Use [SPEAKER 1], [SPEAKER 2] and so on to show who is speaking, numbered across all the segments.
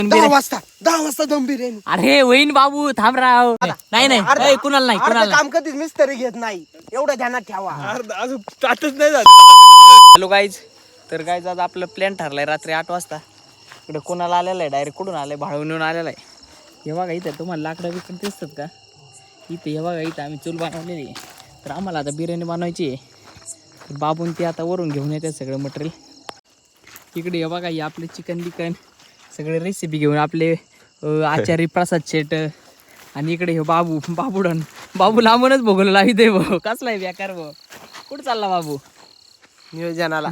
[SPEAKER 1] 10 वाजता दम बिर्याणी.
[SPEAKER 2] अरे होईन बाबू थांब राव. नाही नाही कुणाला नाही कुणाला
[SPEAKER 1] काम कधीच मिस्त्री घेत नाही, एवढं ध्यानात ठेवा.
[SPEAKER 3] अजून ताटच नाही झालं.
[SPEAKER 2] हॅलो गाईज, तर गाईज आज आपलं प्लॅन ठरलाय रात्री 8 वाजता. इकडे कोणाला आलेला आहे, डायरेक्ट कुठून आलाय, भाळवून आलेला आहे. हे बघा इथं तुम्हाला लाकडं बिकडं दिसतात का, इथं हे बघा इथं आम्ही चूल बनवलेली आहे. तर आम्हाला आता बिर्याणी बनवायची आहे. तर बाबून ते आता वरून घेऊन येतात सगळं मटेरियल. इकडे हे बघा हे आपले चिकन बिकन सगळे रेसिपी घेऊन आपले आचार्य प्रसाद शेट. आणि इकडे हे बाबू लांबूनच भोगलं लावी दे भाऊ. कसला आहे बेकार भाऊ. कुठं चालला बाबू?
[SPEAKER 1] नियोजनाला.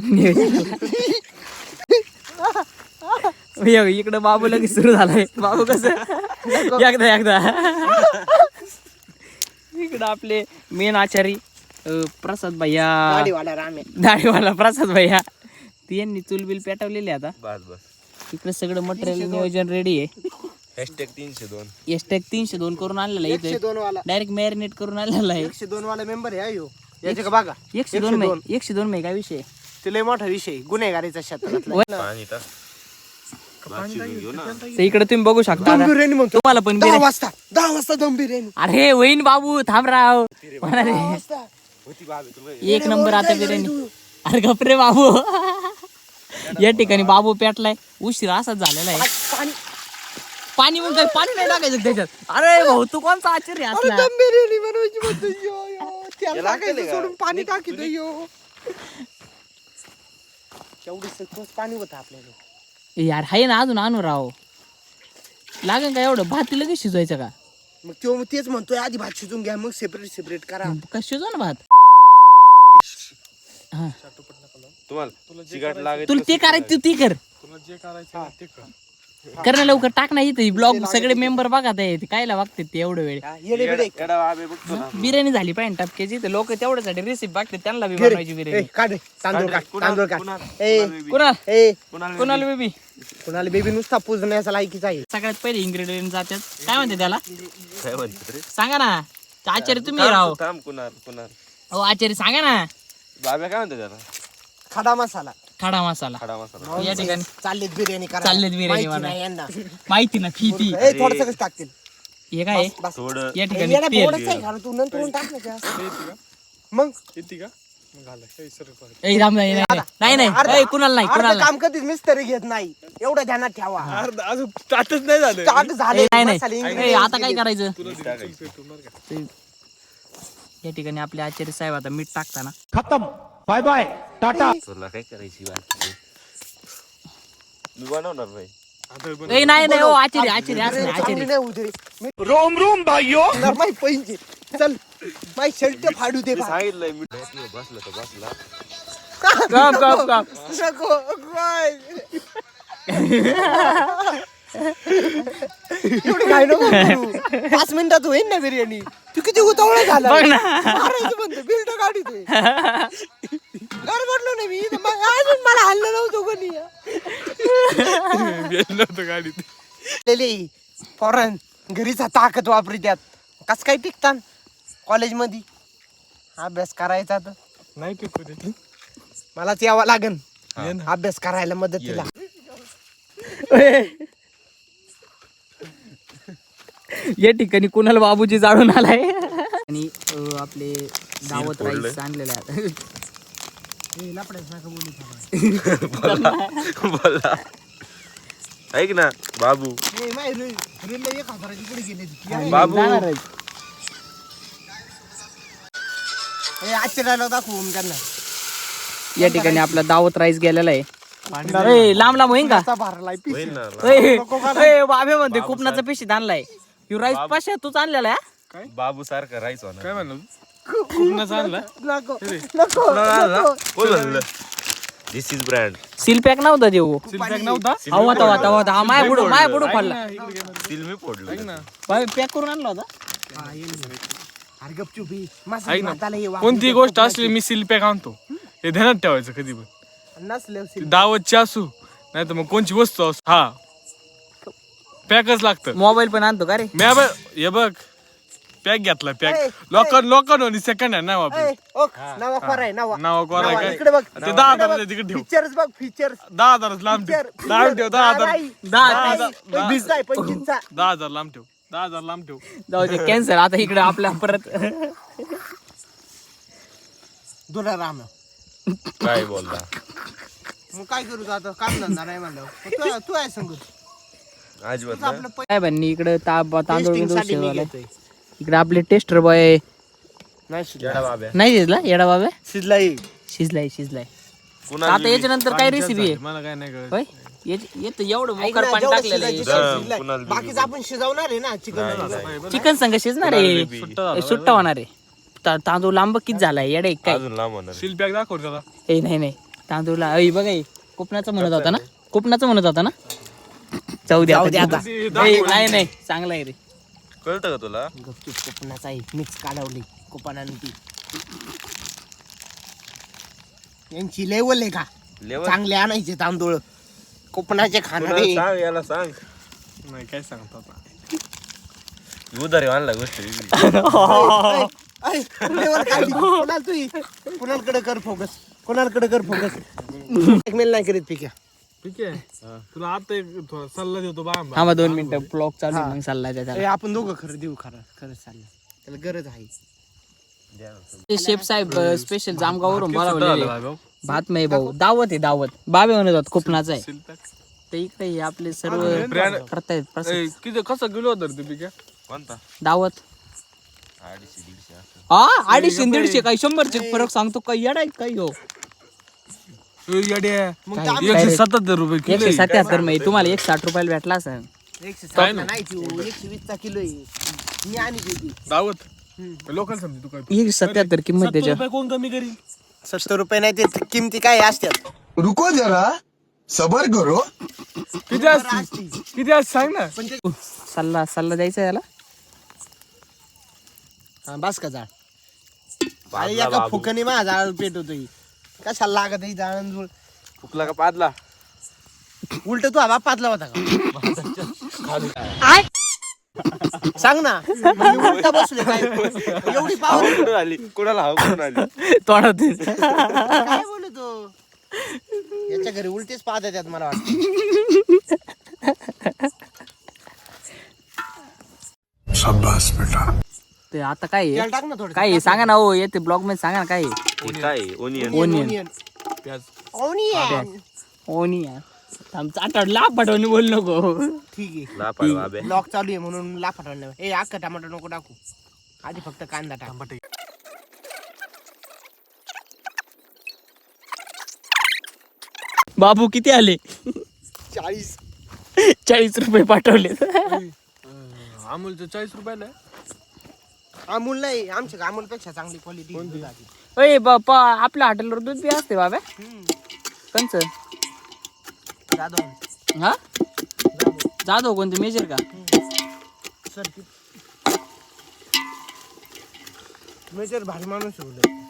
[SPEAKER 2] इकडं बाबू लगेच सुरू झालाय. बाबू कसं एकदा इकडं आपले मेन आचारी प्रसाद भैया, दाढीवाला प्रसाद भैया, यांनी चुलबिल पेटवलेली आता. इकडे सगळं मटेरियल नियोजन रेडी आहे. #302 करून आणलेलं आहे इथे. डायरेक्ट मॅरिनेट करून आणलेलं आहे.
[SPEAKER 1] 102 वाला मेंबर आहे यो. याचे का बघा
[SPEAKER 2] 102 मे काय विषय.
[SPEAKER 1] ते लय मोठा विषय गुन्हेगारीचा क्षेत्रातला.
[SPEAKER 2] इकडे तुम्ही बघू शकता तुम्हाला पण
[SPEAKER 1] 10 वाजता दम बिर्याणी.
[SPEAKER 2] अरे होईन बाबू थांब राव. एक नंबर आता बिर्याणी. अरे गपरे बाबू. या ठिकाणी बाबू पेटलाय. उशीर असाच झालेला आहे. पाणी मग पाणी नाही टाकायचं त्याच्यात. अरे भाऊ तू कोणता आचार्य असला.
[SPEAKER 1] दम बिर्याणी बनवायची म्हणतो यो. त्याला टाकायचं सोडून पाणी टाकीतो यो. केवढी सखोस पाणी होतं आपल्याला.
[SPEAKER 2] यार हाय ना अजून आणू राव. लागेल का एवढं? भात लगेच शिजवायचं का?
[SPEAKER 1] मग तो तेच म्हणतोय आधी भात शिजून घ्या मग सेपरेट करा.
[SPEAKER 2] का शिजवा ना भात. हा तुला ते करायचं ती कर. कर ना लवकर टाक ना. इथे ब्लॉग सगळे मेंबर बघा ते कायला बघतात ते एवढं वेळ. बिर्याणी झाली पाहिजे टपक्याची. तर लोक तेवढ्यासाठी रेसिपी बघतात. त्यांना बी बनवायची बिर्याणी. कुणाला बेबी
[SPEAKER 1] कुणाला बेबी नुसता पुजण्याचा लायकीच आहे.
[SPEAKER 2] सगळ्यात पहिले इन्ग्रेडियंट जातात. काय म्हणते त्याला सांगा ना. आचार्य तुम्ही राव. हो आचार्य सांगा ना.
[SPEAKER 3] बाबा काय म्हणते त्याला?
[SPEAKER 1] खडा मसाला.
[SPEAKER 2] या ठिकाणी
[SPEAKER 1] चाललेत बिर्याणी करा.
[SPEAKER 2] चाललेत बिर्याणी बनवायला. माहिती ना फिती.
[SPEAKER 1] थोडस टाकतील.
[SPEAKER 2] हे काय या ठिकाणी
[SPEAKER 1] तू नंतर टाक ना. मग
[SPEAKER 2] नाही कुणाला नाही
[SPEAKER 1] काम कधीच मिस्त्री घेत नाही, एवढं ध्यानात ठेवा.
[SPEAKER 3] अजून ताटच नाही झालं.
[SPEAKER 2] नाही आता काय करायचं. या ठिकाणी आपले आचार्य साहेब आता मीठ टाकताना
[SPEAKER 4] खतम. Bye bye tata.
[SPEAKER 3] तुला काय करायची मी बनवणार भाई.
[SPEAKER 2] नाही हो आचार्य
[SPEAKER 4] रोम भाइयों.
[SPEAKER 1] माही पैंचे चल माही शर्ट फाडू दे.
[SPEAKER 3] सांगितलंय मी बसला.
[SPEAKER 1] एवढी काय नको करू. 5 मिनिटात होईल ना बिर्याणी. तू किती उतावळा झाला. मारायचं म्हणतो बिल्ट काढतोय. गडबडलो नाही मी. अजून मला हल्लं नव्हतं कोणी. गाडीत फॉरन घरीचा ताकद वापरी त्यात. कस काय टिकतात कॉलेजमध्ये. अभ्यास करायचा तर
[SPEAKER 3] नाही टिकू.
[SPEAKER 1] मलाच यावं लागन अभ्यास करायला मदतीला.
[SPEAKER 2] या ठिकाणी कुणाला बाबूजी जाळून आलाय. आणि आपले दावत राईस आणलेले आहे.
[SPEAKER 3] बोला ऐक ना बाबू. बाबू
[SPEAKER 1] आश्चर्याला दाखवून त्यांना.
[SPEAKER 2] या ठिकाणी आपला दावत राईस गेलेला आहे. लांब होईन का बाबे म्हणते कुपनाचा पिशीत आणलाय. राईस पाशा तूच आणलेला आहे.
[SPEAKER 3] बाबू सारखा राहायचो ना. काय म्हणलं? This is brand.
[SPEAKER 2] Seal pack नव्हता देऊ. होता माय बुडू खाल्ला.
[SPEAKER 3] सील मी फोडलं.
[SPEAKER 2] पॅक करून आणला होता.
[SPEAKER 5] कोणती गोष्ट असली मी सील पॅक आणतो हे ध्यानात ठेवायचं. कधी पण दावतची असू नाही तर मग कोणची वस्तू असू हा पॅकच लागतं.
[SPEAKER 2] मोबाईल पण आणतो का रे.
[SPEAKER 5] हे बघ पॅक घेतला पॅक लोकांनी सेकंड हँड नाही वापरत.
[SPEAKER 1] नावा कोराय नावा
[SPEAKER 5] नाव कोरा काय
[SPEAKER 1] इकडे बघ
[SPEAKER 5] ते 10,000 तिकडे ठेव.
[SPEAKER 1] फीचर्स बघ फीचर्स
[SPEAKER 5] 10,000 लांब ठेव. लांब ठेव 10,000
[SPEAKER 1] 25चा
[SPEAKER 5] 10,000 लांब ठेव. 10,000 लांब ठेव.
[SPEAKER 2] जाऊ दे कॅन्सर. आता इकडे आपल्या परत
[SPEAKER 1] दुला राम
[SPEAKER 3] काय बोलला
[SPEAKER 1] मग काय करू तू आता काम धंदा नाही म्हणलं तू आहे सांगू
[SPEAKER 3] अजिबात नाही.
[SPEAKER 1] आपलं
[SPEAKER 2] काय बन्नी इकडे तांदूळ
[SPEAKER 1] टेस्टिंग
[SPEAKER 2] बिंदूळ
[SPEAKER 1] साठी मी
[SPEAKER 2] शिजवायला.
[SPEAKER 1] घेतोय
[SPEAKER 2] इकडे आपले टेस्टर बॉय
[SPEAKER 1] नाही
[SPEAKER 3] येडा बाब्या.
[SPEAKER 2] नाही शिजला येडा बाबा
[SPEAKER 1] शिजलाई
[SPEAKER 2] शिजलाय.
[SPEAKER 3] कुणाला
[SPEAKER 2] आता याच्यानंतर काय रेसिपी आहे
[SPEAKER 5] मला काय नाही कळत.
[SPEAKER 2] होय येत एवढं मोकर पाणी टाकलेलं आहे.
[SPEAKER 3] कुणाला
[SPEAKER 1] बाकीच आपण शिजवणार आहे ना चिकन
[SPEAKER 2] चिकन संग शिजणार आहे. सुट्टा होणार आहे. तांदूळ लांब किती झालाय येडे काय.
[SPEAKER 3] अजून लांब होणार.
[SPEAKER 5] सील पॅक दाखव त्याला.
[SPEAKER 2] ए नाही तांदूळला बघा हे कोकणाचं म्हणत होता ना जाऊ दे आता. नाही चांगला आहे रे.
[SPEAKER 3] कळतं का तुला
[SPEAKER 1] गपचूप कोपनाचा आहे मिक्स काढवली कोपनाने ती यांची लेवल आहे का
[SPEAKER 3] लेवल
[SPEAKER 1] चांगले आणायचे तांदूळ कोकणाचे खाणारे
[SPEAKER 3] कुणाला सांग याला सांग
[SPEAKER 5] नाही काय सांगतो आता.
[SPEAKER 3] उधारी आणला गोष्ट वेगळी.
[SPEAKER 1] लेवल खाली कुणालकडे कर फोकस एकमेल नाही करीत पिक्या
[SPEAKER 5] ठीक आहे तुला आता एक थोडा सल्ला देतो बा.
[SPEAKER 2] हा मग 2 मिनिटं ब्लॉग चालू आहे, मग चाललाय त्याचा.
[SPEAKER 1] आपण दोघं खरं देऊ खरंच चाललं त्याला गरज आहे.
[SPEAKER 2] शेफ साहेब स्पेशल जामगाववरून बोलावलेले. भात नाही भाऊ दावत बाबे म्हणत होत कोकणाचा आहे.
[SPEAKER 5] सील पॅक
[SPEAKER 2] तर इकडे हे आपले सर्व
[SPEAKER 5] brand-
[SPEAKER 2] करतायत
[SPEAKER 5] किती कसं किलो होतं रे ते पिक्या.
[SPEAKER 3] कोणता
[SPEAKER 2] दावत
[SPEAKER 3] 250-150 असं.
[SPEAKER 2] हा 250-150 काही 100 फरक सांगतो काही येडा आहे काही हो.
[SPEAKER 1] मग ते आम्ही
[SPEAKER 5] 177 रुपये किलो.
[SPEAKER 2] 177 मध्ये तुम्हाला 160 रुपयाला भेटला असेल.
[SPEAKER 1] 160 नाही तू 120चा किलो आहे मी आणि देते
[SPEAKER 5] दावत लोकल समजी तू काय
[SPEAKER 2] 177 किंमत त्याच्या.
[SPEAKER 5] रुपये कोण कमी करील.
[SPEAKER 1] 70 रुपये नाही ते किमती काय असतात
[SPEAKER 4] रुको जरा सबर करो.
[SPEAKER 5] किती असतील किती असतील सांग ना.
[SPEAKER 2] सल्ला द्यायचा याला.
[SPEAKER 1] बस का जाळ
[SPEAKER 3] पाजला
[SPEAKER 1] अरे एका
[SPEAKER 3] बाबू.
[SPEAKER 1] फुकणी माझा जाळ पेट होतोय कशाला लागत आहे जाळण जुळ
[SPEAKER 3] फुकला का पादला
[SPEAKER 1] उलट तू हवा पातला होता का सांग ना मी उलटा बसले काय एवढी पावर
[SPEAKER 3] कुठून आली कुणाला हवा कुठून आली
[SPEAKER 2] तोंडात
[SPEAKER 1] काय बोलतो याच्या घरी उलटेच पाहत येतात मला वाटतं
[SPEAKER 4] शाबाश बेटा.
[SPEAKER 2] ते आता काय आहे?
[SPEAKER 1] तेल टाक ना थोडं
[SPEAKER 2] काय आहे? सांगा ना हो येते ब्लॉग मध्ये सांगा ना काय आहे?
[SPEAKER 3] हे काय ओनियन
[SPEAKER 2] ओनियन
[SPEAKER 5] प्याज
[SPEAKER 1] ओनियन
[SPEAKER 2] ओनियन आमचा आठवडला पाठवणी बोल नको.
[SPEAKER 1] ठीक आहे
[SPEAKER 3] लापाड बाबे
[SPEAKER 1] ब्लॉक चालू आहे म्हणून लाफाटा ए अख्खा टमाटर नको टाकू आधी फक्त कांदा टाक
[SPEAKER 2] बाबू किती आले 40 रुपये पाठवले.
[SPEAKER 5] अमूलचं 40 रुपयाला आहे.
[SPEAKER 1] अमूल नाही आमच्या अमूल पेक्षा चांगली क्वालिटी
[SPEAKER 2] अय बापा आपल्या हॉटेलवर दूध बी असते बाबा कंच. हा जाधव कोणते मेजर का.
[SPEAKER 1] मेजर भारी माणूस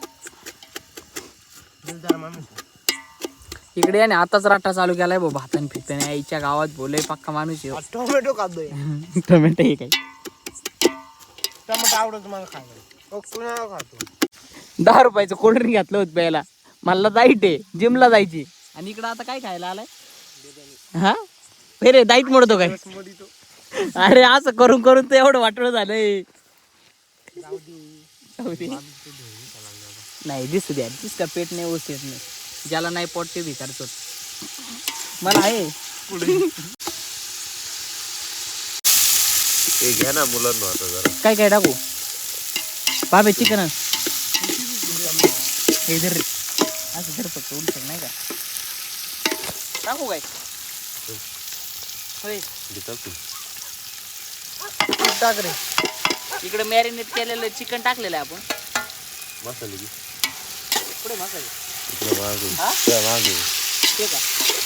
[SPEAKER 1] दिलदार माणूस
[SPEAKER 2] इकडे आणि आताच राट्टा चालू केलाय भाऊ भातन फिरताने आईच्या गावात बोलय पक्का माणूस आहे.
[SPEAKER 1] टोमॅटो खातोय
[SPEAKER 2] टोमॅटो हे काय
[SPEAKER 1] टमाटर आवडत मला खायला कुणाला खातो
[SPEAKER 2] 10 रुपयाचं कोल्ड्रिंक घातलं होतं प्यायला. मला जाईट आहे जिमला जायची आणि इकडं आता काय खायला आलाय. हा रे दाईट मोडतो काय. अरे असं करून करून तर एवढं वाटलं झालंय. नाही दिसू द्या दिसका पेट नाही व्यवस्थित नाही. ज्याला नाही पोट ते विचारतो मला आहे.
[SPEAKER 3] हे घ्या ना मुलांना आता जरा
[SPEAKER 2] काय काय टाकू बाबे चिकन हे धर रे. असं धर फक्त उलट नाही का टाकू काय होय.
[SPEAKER 3] घेतात तू
[SPEAKER 1] टाक रे
[SPEAKER 2] इकडे मॅरिनेट केलेलं चिकन टाकलेलं आहे आपण.
[SPEAKER 3] मसाले घे
[SPEAKER 2] पुढे मसाले
[SPEAKER 3] इकडे मागे
[SPEAKER 2] हा?
[SPEAKER 3] त्या मागे
[SPEAKER 2] ते का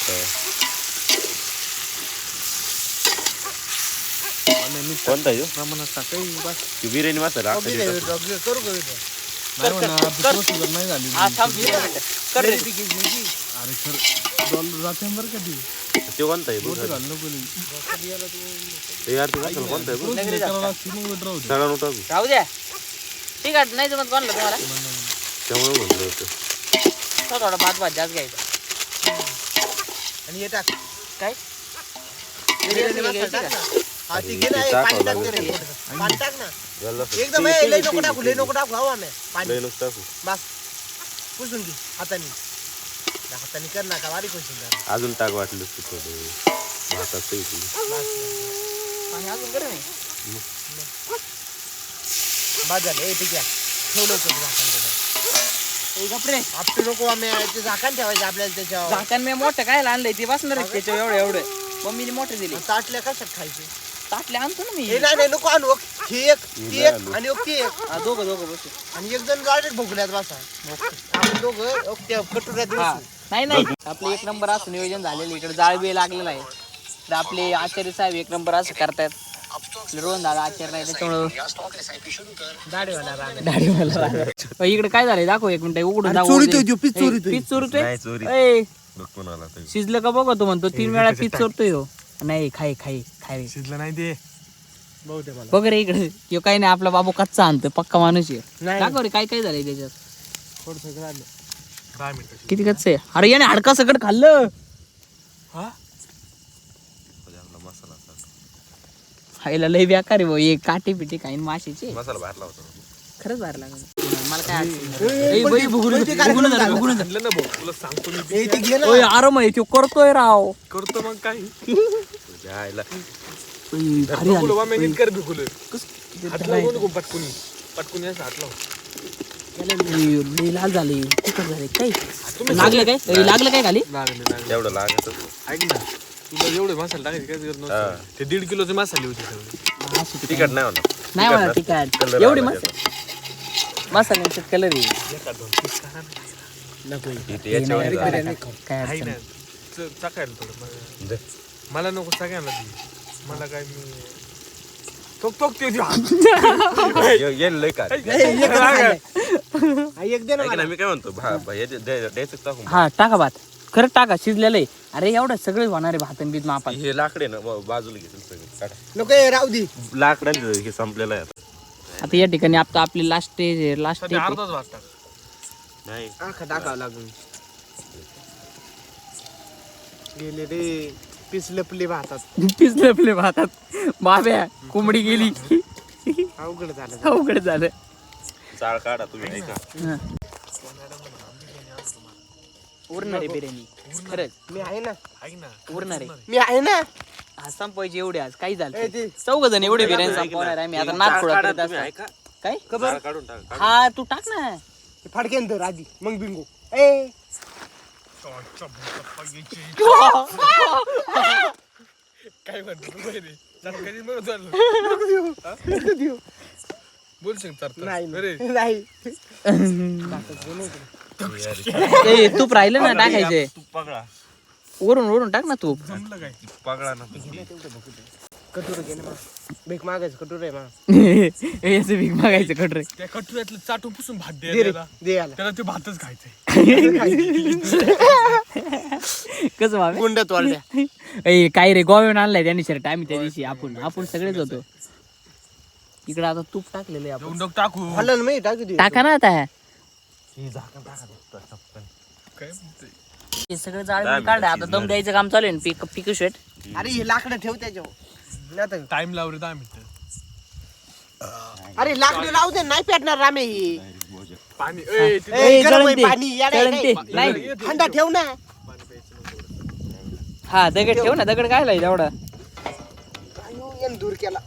[SPEAKER 3] कोणता आहे ह्यो?
[SPEAKER 5] प्रमाणात टाकाय बस.
[SPEAKER 3] ती बिर्याणी मसाला आता
[SPEAKER 1] करू
[SPEAKER 3] देतात.
[SPEAKER 1] का
[SPEAKER 5] नाही म्हणा आपली procedure नाही झाली.
[SPEAKER 2] हा थांब 20 मिनिटं. कर रे.
[SPEAKER 5] अरे खरं डॉलर जाते बरं का ती
[SPEAKER 3] ते कोणता आहे बघ.
[SPEAKER 5] घाल नको लई.
[SPEAKER 3] ते यार ते मसाला कोणता आहे बघ.
[SPEAKER 2] नगरी
[SPEAKER 5] त्याला लागते मग वेट राहू दे.
[SPEAKER 3] सगळा नव्हता बघ.
[SPEAKER 2] राहू द्या ठीक आहे नाही जमत कोणला तुम्हाला
[SPEAKER 3] त्यामुळे म्हणलं होतं.
[SPEAKER 2] तो थोडा भात जास्त घ्यायचा
[SPEAKER 1] आणि हे टाक
[SPEAKER 2] काय
[SPEAKER 1] बिर्याणी मसाला टाक ना. हा ती घे ना,
[SPEAKER 3] ते
[SPEAKER 1] हे
[SPEAKER 3] टाकावं
[SPEAKER 1] पाणी टाक
[SPEAKER 3] लागेल.
[SPEAKER 1] रे. पाणी टाक ना
[SPEAKER 3] याला
[SPEAKER 1] एकदम लई नको टाकू, लई नको टाकू. हवा नाही पाणी
[SPEAKER 3] लय नुसतं टाकू.
[SPEAKER 1] बस पुसून घे हाताने. हाताने कर ना का बारीक होशील जरा.
[SPEAKER 3] अजून टाक वाटलं की थोडं भातात ते इथे.
[SPEAKER 2] पाणी अजून गरम आहे
[SPEAKER 1] बस झालं. ए ठीक आहे ठेवलं होतं झाकण त्याच्यावर.
[SPEAKER 2] ए, गप्रे
[SPEAKER 1] आपटे नको आम्ही ते झाकण ठेवायचं आपल्याला त्याच्यावर.
[SPEAKER 2] झाकण मी मोठं काय आणलंय ते बसणार आहे त्याच्या एवढं एवढं मम्मीने मोठे दिले
[SPEAKER 1] ताटल्या कशात खायचे?
[SPEAKER 2] ताटले आणतो ना मी
[SPEAKER 1] हे नाही नको आणू. ही एक ती एक आणि ती एक
[SPEAKER 2] हा, दोघं बसू
[SPEAKER 1] आणि एक जण गाडीत भोगल्यात बसा. आपण दोघं त्या कटोऱ्यात
[SPEAKER 2] हा
[SPEAKER 1] बसू.
[SPEAKER 2] नाही आपले एक नंबर असं नियोजन झालेलं इकडे जाळ बी लागलेला आहे तर आपले आचार्य साहेब एक नंबर असं करतायत रोहन दादा आचार्य नाही त्याच्यामुळं दाढीवाला इकडे काय झालंय दाखव एक मिनिट उघडून दाखव
[SPEAKER 1] चोरीतोय तो, पीस चोरीतोय.
[SPEAKER 2] पीस चोरतोय
[SPEAKER 3] नाही चोरी.
[SPEAKER 2] ए,
[SPEAKER 3] बघ कोणाला तरी.
[SPEAKER 2] शिजलं का बघ तो म्हणतो 3 वेळा पीस चोरतोय हो नाही खाय रे
[SPEAKER 5] शिजलं नाही ते
[SPEAKER 1] बहुतेक मला.
[SPEAKER 2] बघ रे इकडे किंवा काही नाही आपला बाबू कच्चा आणतोय पक्का माणूस आहे
[SPEAKER 1] नाही.
[SPEAKER 2] दाखव रे काय झालंय त्याच्यात
[SPEAKER 1] थोडंसं झालं.
[SPEAKER 5] 10 मिनिटं
[SPEAKER 2] किती कच्च आहे अरे याने हाडका सकट खाल्लं
[SPEAKER 5] हा
[SPEAKER 3] मसाला टाक.
[SPEAKER 2] खायला लय बेकार आहे भाऊ हे काटे पिटे काही माशीचे
[SPEAKER 3] मसाला बाहेर लावतो.
[SPEAKER 2] खरंच बाहेर लागलं मला काय अडचण नाही. ए, बाई, भुगुलं झालं.
[SPEAKER 5] आणलं ना भाऊ तुला सांगतो मी
[SPEAKER 1] ए, ते घे ना.
[SPEAKER 2] ओय आराम आहे तो करतोय राव
[SPEAKER 5] करतो मग काय
[SPEAKER 3] जायला
[SPEAKER 2] ओय, भारी झालं.
[SPEAKER 5] भिकुलं मी नीट कर भिकुलं
[SPEAKER 2] किती
[SPEAKER 5] हात लावू नको पटकुनी असं हात लाव
[SPEAKER 2] लय लय लाल झाले तिखट झाले काय लागलं काय ए, लागलं काय खाली
[SPEAKER 5] लागले
[SPEAKER 3] एवढं लागत
[SPEAKER 5] ऐक ना तुला एवढे मसाले टाकायचे काय गरज नव्हती ते 1.5 किलोचे मसाले होते सगळे
[SPEAKER 2] असू दे.
[SPEAKER 3] तिखट नाही होणार.
[SPEAKER 2] नाही म्हणा तिखट
[SPEAKER 3] कलर
[SPEAKER 2] एवढी
[SPEAKER 3] आला
[SPEAKER 2] मसाल्यांचे कलर आहे
[SPEAKER 3] इथे याच्यावर
[SPEAKER 2] नाही,
[SPEAKER 3] झालं.
[SPEAKER 2] काय
[SPEAKER 5] आहे
[SPEAKER 2] अडचण
[SPEAKER 5] ना
[SPEAKER 2] नाही.
[SPEAKER 5] चाकायला थोडं
[SPEAKER 3] दे.
[SPEAKER 5] मला नको सगळ्यांना दे मला काय मी तो ते
[SPEAKER 3] येईल लय काय.
[SPEAKER 1] हा, एक दे ना
[SPEAKER 3] ऐक
[SPEAKER 1] मला.
[SPEAKER 3] ना मी काय म्हणतो द्यायचं टाकून.
[SPEAKER 2] हा टाका भात खरंच टाका शिजलेलं आहे अरे एवढं सगळे होणार आहे भात आणि बीत मापात
[SPEAKER 3] हे लाकडे ना बाजूला घेतील सगळं काढा.
[SPEAKER 1] नको हे राहू दे.
[SPEAKER 3] लाकडांचं हे संपलेलं आहे आता.
[SPEAKER 2] आता या ठिकाणी आता आपली लास्ट स्टेज आहे लास्ट स्टेज
[SPEAKER 5] अर्धाच वाजता
[SPEAKER 3] नाही
[SPEAKER 1] आखा टाकावं लागून गेले रे पीस लपले भातात.
[SPEAKER 2] पिसले आपले भातात बाब्या कोंबडी गेली
[SPEAKER 1] अवघड झालं.
[SPEAKER 2] अवघड झालं
[SPEAKER 3] चाळ काढा तुम्ही ऐका.
[SPEAKER 2] हा. उरणार आहे बिर्याणी खरंच
[SPEAKER 1] मी आहे ना.
[SPEAKER 5] ऐक ना
[SPEAKER 2] उरणार आहे
[SPEAKER 1] मी आहे ना.
[SPEAKER 2] आज संपवायची एवढे आज काही
[SPEAKER 1] ए,
[SPEAKER 2] झालं
[SPEAKER 1] ते-
[SPEAKER 2] 4 जण एवढे बिर्याणी संपवणार आहे मी आता नाक
[SPEAKER 3] चाळ
[SPEAKER 2] फोडा
[SPEAKER 3] काढा
[SPEAKER 2] करत
[SPEAKER 3] तुम्ही
[SPEAKER 2] असतो.
[SPEAKER 3] ऐका.
[SPEAKER 2] काय
[SPEAKER 3] चाळ काढून टाका.
[SPEAKER 2] हा तू टाक ना
[SPEAKER 1] हे फाडकेन तर आधी मग बिंगो. ए
[SPEAKER 5] काय म्हणतो तू पहिले? कधी मग झालं
[SPEAKER 1] नको देऊ.
[SPEAKER 5] बोलशील तर
[SPEAKER 1] नाही
[SPEAKER 5] अरे
[SPEAKER 1] नाही.
[SPEAKER 2] ए तूप राहिलं ना टाकायचे
[SPEAKER 3] तू पगळा.
[SPEAKER 2] वरून टाक ना तूप
[SPEAKER 5] जमलं काय
[SPEAKER 3] पगळा ना.
[SPEAKER 1] कटोरं घे ना मग. भीक मागायचं कटोरं आहे मग.
[SPEAKER 2] याचं भीक मागायचं कटरे
[SPEAKER 5] त्या कटुऱ्यातलं चाटून पुसून भात
[SPEAKER 1] दे रे
[SPEAKER 5] द्यायला
[SPEAKER 1] दे याला.
[SPEAKER 5] त्याला ते भातच खायचंय
[SPEAKER 2] कसं भावे
[SPEAKER 1] गुंडात वाढल्या.
[SPEAKER 2] ए काय रे गोव्याहून आणलाय त्यांनी शर्ट आम्ही त्या दिवशी आपण सगळेच होतो इकडे आता तूप टाकलेलं आहे आपण
[SPEAKER 5] दोन डोक टाकू
[SPEAKER 1] खाल्लं ना मी टाकू दे.
[SPEAKER 2] टाका ना आता
[SPEAKER 5] काय म्हणते
[SPEAKER 2] हे सगळं जाळ काढलं आता दम द्यायचं काम चालू आहे ना पिकू शेट
[SPEAKER 1] अरे हे लाकडं ठेव त्याच्यावर. नाही तर-
[SPEAKER 5] टाइम लाव रे 10 मिनिटं
[SPEAKER 1] अरे लाकडं लावू दे नाही पेटणार रामे ही.
[SPEAKER 5] पाणी
[SPEAKER 1] ए,
[SPEAKER 2] ए,
[SPEAKER 1] गरम
[SPEAKER 2] जळण
[SPEAKER 1] आहे
[SPEAKER 2] ते,
[SPEAKER 1] पाणी याडा
[SPEAKER 2] जळण
[SPEAKER 1] आहे
[SPEAKER 2] ते.
[SPEAKER 1] काय?
[SPEAKER 2] नाही
[SPEAKER 1] थंडा ठेव ना.
[SPEAKER 2] हा दगड ठेव ना दगड काय लाय तेवढा
[SPEAKER 1] अयो, यानं दूर केला.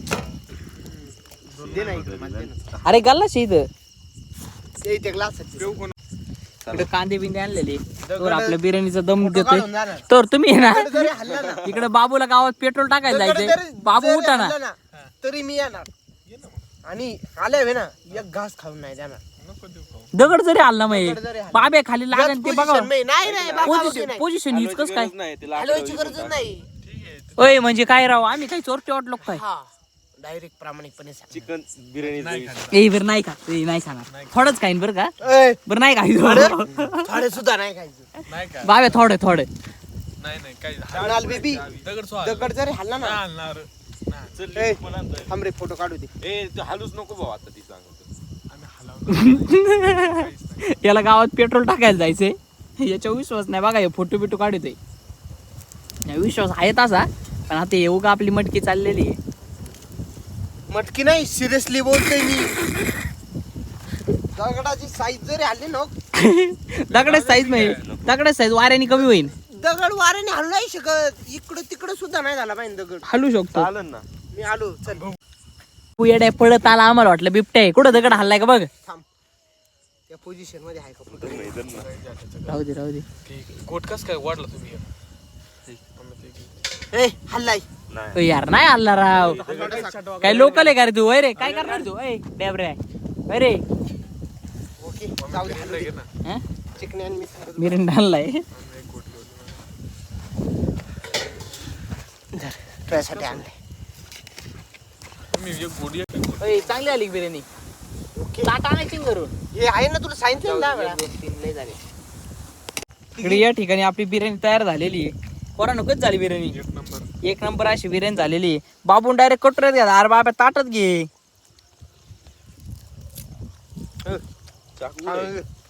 [SPEAKER 1] दे ना इकडे मला दे ना.
[SPEAKER 2] अरे गल्लाच इथं
[SPEAKER 1] ते इथे ग्लास
[SPEAKER 2] इकडे कांदे बिंदे आणलेले तर आपल्या बिर्याणीचा दम देतोय
[SPEAKER 1] काढून जा ना.
[SPEAKER 2] तर तुम्ही आहे ना
[SPEAKER 1] जरी हल्ला ना
[SPEAKER 2] इकडे बाबूला गावात पेट्रोल टाकायला
[SPEAKER 1] जरी-
[SPEAKER 2] जायचंय बाबू
[SPEAKER 1] जरी
[SPEAKER 2] उठा ना
[SPEAKER 1] हल्ला ना, तरी मी येणार. आणि आले ना एक घास खाऊन नाही देणार.
[SPEAKER 5] नको देऊ खाऊ.
[SPEAKER 2] दगड जरी हल्ला माहिती
[SPEAKER 1] दगड जरी हलला.
[SPEAKER 2] बाब्या खाली लागन ते बघा
[SPEAKER 1] Position नाही नाही बाबा
[SPEAKER 2] पोझिशन यूज कस काय
[SPEAKER 3] नाही ते
[SPEAKER 1] हलवायची गरज नाही.
[SPEAKER 2] ओय म्हणजे काय राव आम्ही काही चोरटे वाटलो काय
[SPEAKER 1] हा डायरेक्ट प्रामाणिकपणे सांग.
[SPEAKER 3] चिकन बिर्याणी
[SPEAKER 2] ए बरं नाही का ते नाही सांगा थोडंच खाईन बरं का
[SPEAKER 1] ए,
[SPEAKER 2] बरं नाही खायचं
[SPEAKER 1] थोडे सुद्धा नाही खायचं.
[SPEAKER 5] नाही काय
[SPEAKER 2] बाबे थोडे थोडे
[SPEAKER 5] नाही नाही काही
[SPEAKER 1] म्हणाल बेबी
[SPEAKER 5] दगड सो
[SPEAKER 1] दगड जरी हल्ला ना
[SPEAKER 5] आणणार
[SPEAKER 1] ए, थांब रे फोटो काढू दे.
[SPEAKER 3] ए तू हालूच नको भाऊ आता ती सांगतो
[SPEAKER 5] आम्ही हलावणार
[SPEAKER 2] याला गावात पेट्रोल टाकायला जायचंय याच्यावर विश्वास नाही बघा हे फोटो बिटो काढतोय विश्वास आहे तसा पण आता येऊ का आपली मटकी चाललेली आहे
[SPEAKER 1] मटकी नाही सिरियसली बोलतोय मी. दगडाची साईज जरी हल्ली ना
[SPEAKER 2] दगडाच साईज नाही दगडाच साईज वाऱ्याने कमी होईल
[SPEAKER 1] दगड वाऱ्याने हलू नाही शकत. इकडं तिकडं सुद्धा नाही झाला पाहिजे दगड.
[SPEAKER 2] हलू शकतो
[SPEAKER 3] चालन ना
[SPEAKER 1] मी आलो चल
[SPEAKER 2] तू येड्या पळत आला आम्हाला वाटलं बिबट्या आहे कुठं दगड हल्लाय का बघ
[SPEAKER 1] थांब. त्या पोझिशन मध्ये आहे का फोटो?
[SPEAKER 2] राहू दे राहू दे
[SPEAKER 5] कोट कस काय वाढला तुम्ही
[SPEAKER 1] ए हल्लाय.
[SPEAKER 3] नाही
[SPEAKER 2] ओ यार नाही हल्ला राव काय लोकल आहे का रे तू अरे रे काय करणार तू ए डॅबरे अरे
[SPEAKER 1] ओके जाऊ दे हलू दे. चिकनी आणि मिसळ.
[SPEAKER 2] मिरिंडा हल्लाय
[SPEAKER 1] धर तुझ्यासाठी आणले.
[SPEAKER 5] तुम्ही एक गोडी
[SPEAKER 2] ओय चांगली आली का बिर्याणी
[SPEAKER 1] ओके
[SPEAKER 2] ताट आणायची ना घरून
[SPEAKER 1] हे आहे ना तुला सांगितलं ना वेळा.
[SPEAKER 2] इकडे या ठिकाणी आपली बिर्याणी तयार झालेली आहे पोरांनो कधी झाली बिर्याणी
[SPEAKER 5] एक नंबर
[SPEAKER 2] एक नंबर अशी बिर्याणी झालेली आहे बाबून डायरेक्ट कटोऱ्यात घ्या अरे बाबा ताटच घे
[SPEAKER 3] चाकू आहे.